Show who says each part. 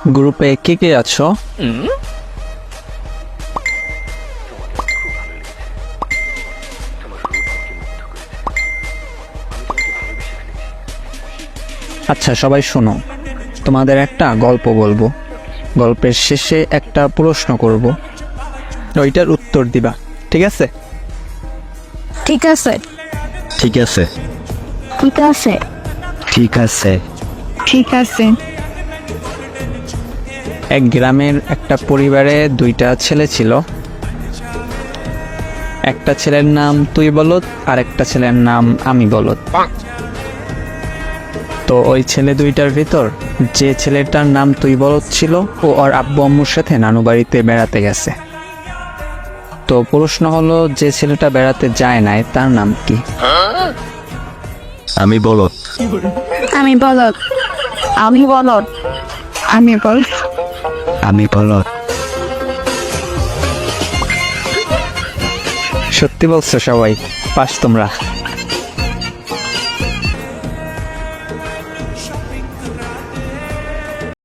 Speaker 1: গ্রুপে কে কে আছো? আচ্ছা সবাই শোনো, তোমাদের একটা গল্প বলবো, গল্পের শেষে একটা প্রশ্ন করব, ওইটার উত্তর দিবা, ঠিক আছে?
Speaker 2: ঠিক আছে
Speaker 3: ঠিক আছে
Speaker 2: ঠিক আছে
Speaker 3: ঠিক আছে
Speaker 2: ঠিক আছে।
Speaker 1: এক গ্রামের একটা পরিবারে দুইটা ছেলে ছিল। একটা ছেলের নাম তুই বলদ আর একটা ছেলের নাম আমি বলদ। তো ওই ছেলে দুইটার ভিতর যে ছেলেটার নাম তুই বলদ ছিল ও ওর আব্বু আম্মুর সাথে নানু বাড়িতে বেড়াতে গেছে। তো প্রশ্ন হলো, যে ছেলেটা বেড়াতে যায় নাই তার নাম কি?
Speaker 3: আমি বলো
Speaker 2: আমি বলদ আমি বলদ আমি বল
Speaker 3: আমি বলো
Speaker 1: সত্যি বলছো সবাই, পাস তোমরা।